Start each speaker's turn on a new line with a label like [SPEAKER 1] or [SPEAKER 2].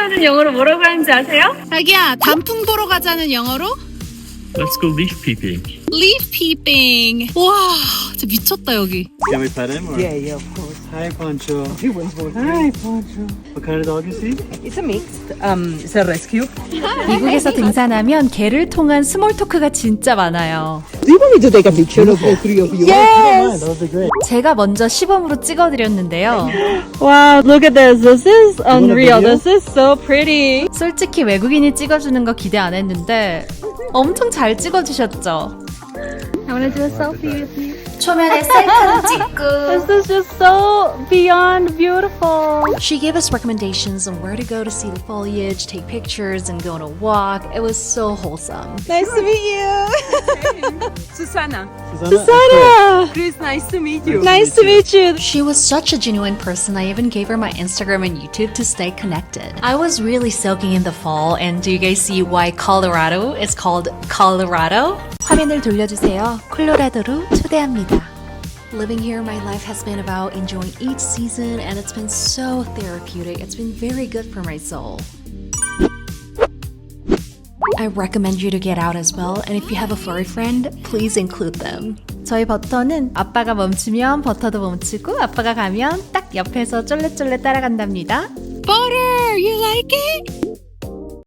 [SPEAKER 1] 가자는 영어로 뭐라고 하는지 아세요?
[SPEAKER 2] 자기야, 단풍 보러 가자는 영어로?
[SPEAKER 3] Let's go leaf peeping.
[SPEAKER 2] Leaf peeping. 와, 진짜 미쳤다 여기.
[SPEAKER 3] Can we pet him? Or?
[SPEAKER 4] Yeah, of course.
[SPEAKER 3] Hi, Poncho.
[SPEAKER 4] He was born.
[SPEAKER 3] Hi, Poncho. What kind of dog is he?
[SPEAKER 4] It's a mixed. It's a rescue.
[SPEAKER 5] 미국에서 등산하면 개를 통한 스몰 토크가 진짜 많아요.
[SPEAKER 4] Do you want me to take a picture of the three of you?
[SPEAKER 3] That would be great.
[SPEAKER 5] 제가 먼저 시범으로 찍어드렸는데요.
[SPEAKER 6] Wow, look at this. This is unreal.
[SPEAKER 3] video?
[SPEAKER 6] This is so pretty.
[SPEAKER 5] 솔직히 외국인이 찍어주는 거 기대 안 했는데 엄청 잘 찍어주셨죠.
[SPEAKER 6] I want to do a selfie with you.
[SPEAKER 5] 초면에 셀카도 찍고.
[SPEAKER 6] This is just so beyond beautiful.
[SPEAKER 5] She gave us recommendations on where to go to see the foliage, take pictures, and go on a walk. It was so wholesome.
[SPEAKER 4] Nice to meet you. Susana.
[SPEAKER 3] Susanna.
[SPEAKER 4] Chris, nice to meet you.
[SPEAKER 6] Nice to meet you.
[SPEAKER 5] She was such a genuine person. I even gave her my Instagram and YouTube to stay connected. I was really soaking in the fall, and do you guys see why Colorado is called Colorado? 화면을 돌려주세요. 콜로라도로 초대합니다. Living here, my life has been about enjoying each season, and it's been so therapeutic. It's been very good for my soul. I recommend you to get out as well, and if you have a furry friend, please include them. 저희 버터는 아빠가 멈추면 버터도 멈추고 아빠가 가면 딱 옆에서 쫄래쫄래 따라간답니다.
[SPEAKER 2] Butter, you like it?